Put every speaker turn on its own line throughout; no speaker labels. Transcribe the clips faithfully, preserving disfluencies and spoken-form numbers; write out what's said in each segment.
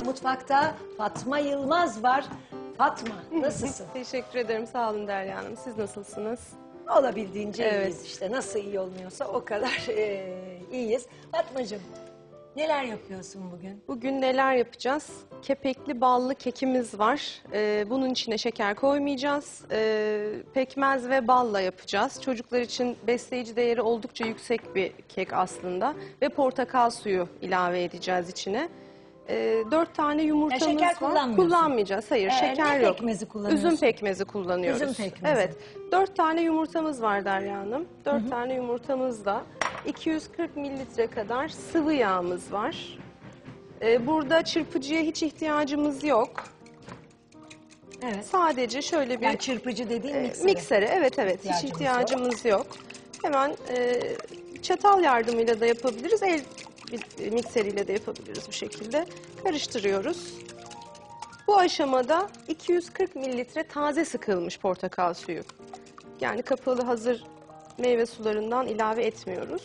mutfakta Fatma Yılmaz var. Fatma, nasılsın?
Teşekkür ederim. Sağ olun Derya Hanım. Siz nasılsınız?
Olabildiğince
Evet.
iyiyiz işte. Nasıl iyi olmuyorsa o kadar e, iyiyiz. Fatmacığım, neler yapıyorsun bugün?
Bugün neler yapacağız? Kepekli ballı kekimiz var. Ee, bunun içine şeker koymayacağız. Ee, pekmez ve balla yapacağız. Çocuklar için besleyici değeri oldukça yüksek bir kek aslında. Ve portakal suyu ilave edeceğiz içine. Ee, dört tane yumurtamız
şeker
var.
kullanmıyorsun.
Kullanmayacağız. Hayır,
Ee,
şeker
ne
yok.
pekmezi kullanıyorsun?
Üzüm pekmezi kullanıyoruz.
Üzüm pekmezi.
Evet. Dört tane yumurtamız var Derya Hanım. Dört hı hı. tane yumurtamızda iki yüz kırk mililitre kadar sıvı yağımız var. Ee, burada çırpıcıya hiç ihtiyacımız yok.
Evet.
Sadece şöyle bir...
Yani çırpıcı dediğin
e,
mikseri.
miksere. Evet evet,
İhtiyacımız
hiç ihtiyacımız yok. Hemen e, çatal yardımıyla da yapabiliriz. El mikseriyle de yapabiliriz bu şekilde. Karıştırıyoruz. Bu aşamada iki yüz kırk mililitre taze sıkılmış portakal suyu. Yani kapalı hazır meyve sularından ilave etmiyoruz.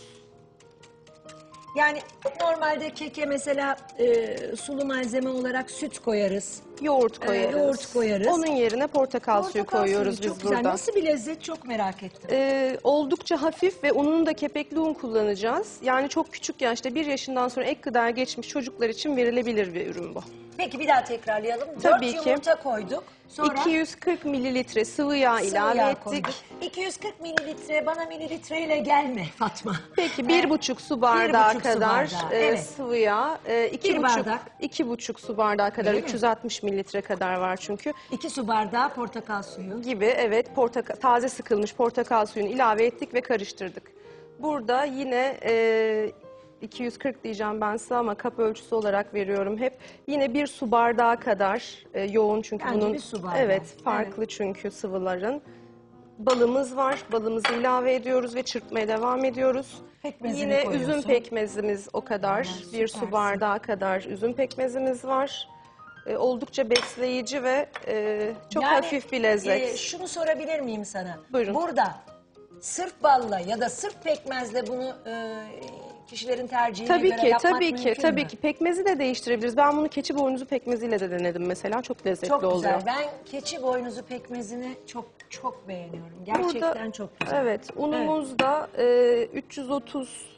Yani normalde keke mesela e, sulu malzeme olarak süt koyarız.
Yoğurt koyarız.
Ee, yoğurt koyarız.
Onun yerine portakal, suyu
Portakal
koyuyoruz
suyu çok
biz
güzel.
burada.
Nasıl bir lezzet, çok merak ettim.
Ee, oldukça hafif ve ununu da kepekli un kullanacağız. Yani çok küçük yaşta, bir yaşından sonra ek gıdaya geçmiş çocuklar için verilebilir bir ürün bu.
Peki bir daha tekrarlayalım.
Tabii
Dört
ki.
yumurta koyduk. Sonra
iki yüz kırk mililitre sıvı yağ
sıvı
ilave
yağ
ettik.
koyduk. iki yüz kırk mililitre, bana mililitreyle gelme Fatma.
Peki bir buçuk su bardağı
buçuk su
kadar
bardağı,
e,
evet.
sıvı yağ, e, iki
Bir
buçuk,
bardak.
iki buçuk su bardağı kadar,
Öyle mi?
üç yüz altmış mililitre kadar var çünkü.
iki su bardağı portakal suyu.
Gibi, evet, portakal, taze sıkılmış portakal suyunu ilave ettik ve karıştırdık. Burada yine e, iki yüz kırk diyeceğim ben size ama kap ölçüsü olarak veriyorum hep. Yine bir su bardağı kadar e, yoğun çünkü
Bence
bunun
bir su bardağı.
evet farklı çünkü sıvıların. Balımız var. Balımızı ilave ediyoruz ve çırpmaya devam ediyoruz.
Pekmezini
Yine
koyuyorsun.
üzüm pekmezimiz o kadar.
Aman,
Bir su
süpersin.
bardağı kadar üzüm pekmezimiz var. E, oldukça besleyici ve e, çok
Yani,
hafif bir lezzet.
e, şunu sorabilir miyim sana?
Buyurun.
Burada sırf balla ya da sırf pekmezle bunu e, kişilerin tercihine
Tabii
göre
ki,
yapmak
tabii ki,
mümkün
tabii
mü?
ki. Pekmezi de değiştirebiliriz. Ben bunu keçi boynuzu pekmeziyle de denedim mesela. Çok lezzetli
Çok
oluyor.
güzel. Ben keçi boynuzu pekmezini çok çok beğeniyorum. Gerçekten
Burada,
çok güzel.
evet, unumuz da e, üç yüz otuz,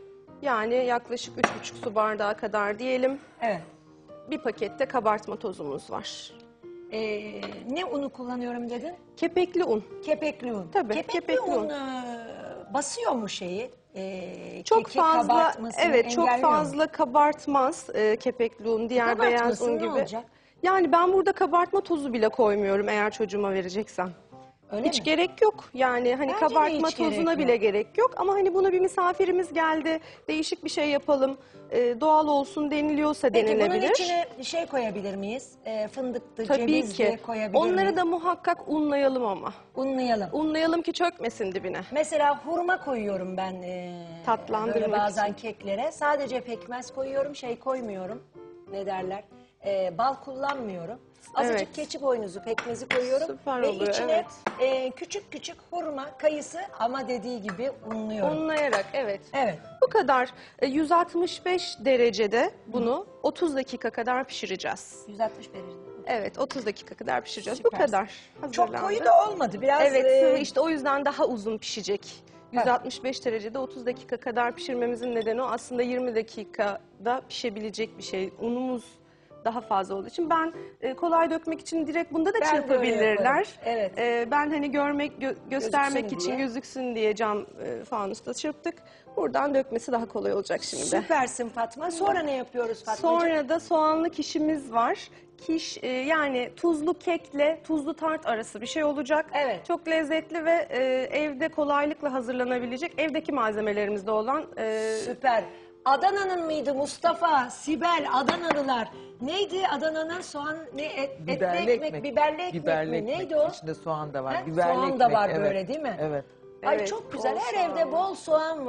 yani yaklaşık üç buçuk su bardağı kadar diyelim.
Evet.
Bir pakette kabartma tozumuz var.
Ee, ne unu kullanıyorum dedin?
Kepekli un.
Kepekli un.
Tabii,
Kepekli,
kepekli
un,
un.
e, basıyor mu şeyi? Ee,
Çok
keki
fazla,
kabartmasını
evet, çok
engelliyor mu?
fazla kabartmaz e, kepekli un, diğer beyaz
Kabartmasın,
un
ne
gibi.
olacak?
Yani ben burada kabartma tozu bile koymuyorum eğer çocuğuma vereceksem.
Öyle
Hiç
mi?
gerek yok. Yani hani
Bence de
kabartma
hiç gerek
tozuna
yok.
bile gerek yok. Ama hani buna bir misafirimiz geldi, değişik bir şey yapalım, e, doğal olsun deniliyorsa
Peki bunun
denilebilir.
içine bir şey koyabilir miyiz? Ee, fındıktı,
Tabii
cevizli
ki.
koyabilir
Onları
miyiz?
da muhakkak unlayalım ama.
Unlayalım.
Unlayalım ki çökmesin dibine.
Mesela hurma koyuyorum ben e,
Tatlandırmak
böyle bazen
için.
keklere. Sadece pekmez koyuyorum, şey koymuyorum. Ne derler? E, bal kullanmıyorum. Azıcık
Evet.
keçi boynuzu pekmezi koyuyorum.
Süper
ve
oluyor,
içine
evet.
e, küçük küçük hurma, kayısı ama dediği gibi unluyorum.
Unlayarak, evet.
Evet.
Bu kadar. E, yüz altmış beş derecede bunu otuz dakika kadar pişireceğiz.
yüz altmış derecede.
Evet, otuz dakika kadar pişireceğiz. Bu
Süpersin.
kadar.
Çok
Hazırlandı.
koyu da olmadı. Biraz
Evet,
e,
sıvı işte o yüzden daha uzun pişecek. yüz altmış beş derecede otuz dakika kadar pişirmemizin nedeni o. Aslında yirmi dakikada pişebilecek bir şey. Unumuz daha fazla olduğu için ben e, kolay dökmek için direkt bunda da
Ben de öyle
çırpabilirler.
yaparım. Evet.
E, ben hani görmek gö- göstermek
Gözüksün
için
diye.
gözüksün diye cam e, fanusta çırptık. Buradan dökmesi daha kolay olacak şimdi.
süpersin Fatma. Sonra ne yapıyoruz Fatmacığım?
Sonra da soğanlı kişimiz var. Kiş e, yani tuzlu kekle tuzlu tart arası bir şey olacak.
Evet.
Çok lezzetli ve e, evde kolaylıkla hazırlanabilecek, evdeki malzemelerimizde olan e,
Süper. Adana'nın mıydı Mustafa, Sibel, Adanalılar? Neydi Adana'nın soğan, ne et, etli
Biberli
ekmek,
ekmek.
biberli ekmek
Biberli
mi?
ekmek.
Neydi o?
İçinde soğan da var.
Ha?
Biberli
Soğan da
ekmek,
var
evet.
böyle değil mi?
Evet.
Ay
Evet,
çok güzel.
bol
Her
soğan
evde
var.
bol soğan var.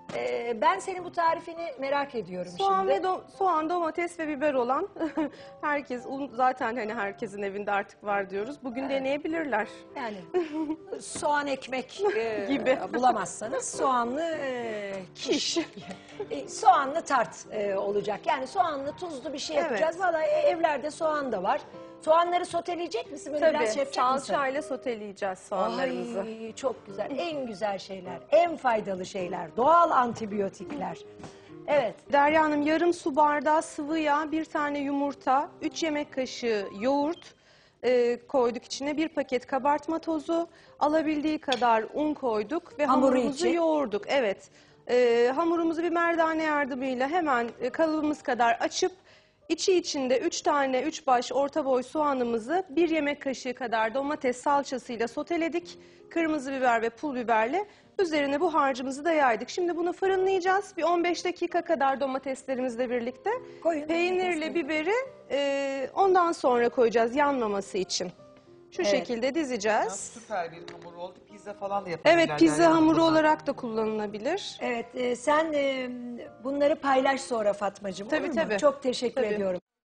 Ee, ben senin bu tarifini merak ediyorum
Soğan
şimdi.
ve do- soğan, domates ve biber olan herkes, un zaten hani herkesin evinde artık var diyoruz. Bugün deneyebilirler.
Yani soğan ekmek e,
Gibi.
bulamazsanız soğanlı e, kiş.
Kiş.
E, soğanlı tart e, olacak. Yani soğanlı tuzlu bir şey
Evet.
yapacağız. Vallahi e, evlerde soğan da var. Soğanları soteleyecek misin? Böyle biraz şey
Tabii
yapacak mısın?
salçayla soteleyeceğiz soğanlarımızı.
Ay çok güzel. En güzel şeyler, en faydalı şeyler, doğal antibiyotikler. Evet.
Derya Hanım, yarım su bardağı sıvı yağ, bir tane yumurta, üç yemek kaşığı yoğurt e, koyduk içine, bir paket kabartma tozu, alabildiği kadar un koyduk ve
Hamuru
hamurumuzu
için.
yoğurduk. Evet. E, hamurumuzu bir merdane yardımıyla hemen e, kalıbımız kadar açıp içi içinde üç tane üç baş orta boy soğanımızı bir yemek kaşığı kadar domates salçasıyla soteledik. Kırmızı biber ve pul biberle üzerine bu harcımızı da yaydık. Şimdi bunu fırınlayacağız. Bir on beş dakika kadar domateslerimizle birlikte.
Koyun
Peynirle
domatesleri.
biberi e, ondan sonra koyacağız yanmaması için. Şu
Evet.
şekilde
Ya
dizeceğiz.
süper bir hamur oldu. Pizza falan da yapabilirler.
Evet, pizza
yani
hamuru
bundan.
olarak da kullanılabilir.
Evet, e, sen e, bunları paylaş sonra Fatmacığım.
Tabii,
olur mu?
tabii.
Çok teşekkür
Tabii.
ediyorum.